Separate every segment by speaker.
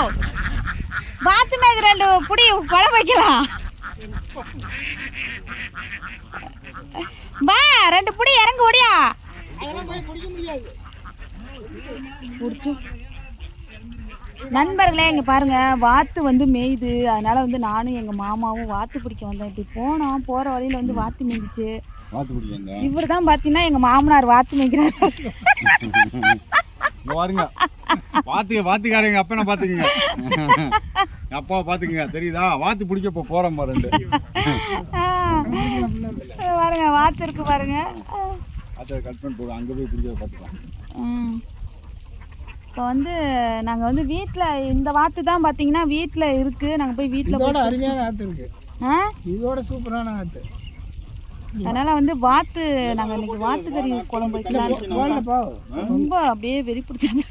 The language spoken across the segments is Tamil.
Speaker 1: வாத்து மேய்க்கு 2 புடி குழம்பு வைக்கலாம். பா 2 புடி இறங்கு ஓடியா. நண்பர்களே இங்கே பாருங்க, வாத்து வந்து மேய்து. அதனால வந்து நானும் எங்கள் மாமாவும் வாத்து பிடிக்க வந்தோம். இப்படி போனோம், போகிற வழியில் வந்து வாத்து மேய்ஞ்சிச்சு. இவர் தான் பார்த்தீங்கன்னா எங்கள் மாமனார் வாத்து மேய்க்கிறாரு.
Speaker 2: பாருங்க வாத்துக்காரங்க அப்பனை பாத்துக்கங்க, அப்பாவை பாத்துக்கங்க. தெரியுதா? வாத்து பிடிக்க போறோம் பாருங்க.
Speaker 1: பாருங்க வாத்து இருக்கு பாருங்க.
Speaker 2: அதை கட் பண்ணி போடுவோம், அங்கே போய் பிடிக்க பார்த்துக்கலாம்.
Speaker 1: இப்போ வந்து நாங்கள் வந்து வீட்டில் இந்த வாத்து தான் பார்த்தீங்கன்னா வீட்டில் இருக்குது. நாங்கள் போய் வீட்டில்
Speaker 3: அருமையான வாத்து இருக்கு, இதோட சூப்பரான வாத்து.
Speaker 1: அதனால் வந்து வாத்து நாங்கள் இன்னைக்கு வாத்துக்கறி குழம்பு வைக்கலாம். ரொம்ப அப்படியே வெறி பிடிச்சாங்க.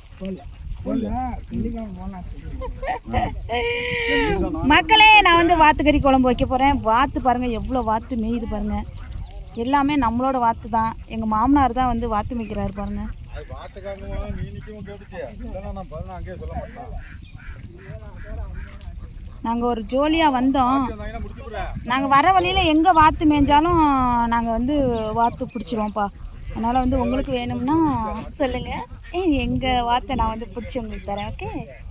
Speaker 1: மக்களே நான் வந்து வாத்துக்கறி குழம்பு வைக்க போகிறேன். வாத்து பாருங்கள் எவ்வளோ வாத்து மேயுது பாருங்கள். எல்லாமே நம்மளோட வாத்து தான். எங்கள் மாமனார் தான் வந்து வாத்து மேய்க்கிறாரு பாருங்க. நாங்கள் ஒரு ஜோலியாக வந்தோம். நாங்கள் வர வழியில் எங்கே வாத்து மேய்ஞ்சாலும் நாங்கள் வந்து வாத்து பிடிச்சிருவோம்ப்பா. அதனால் வந்து உங்களுக்கு வேணும்னா சொல்லுங்கள், எங்கள் வாத்தை நான் வந்து பிடிச்சி உங்களுக்கு தரேன். ஓகே.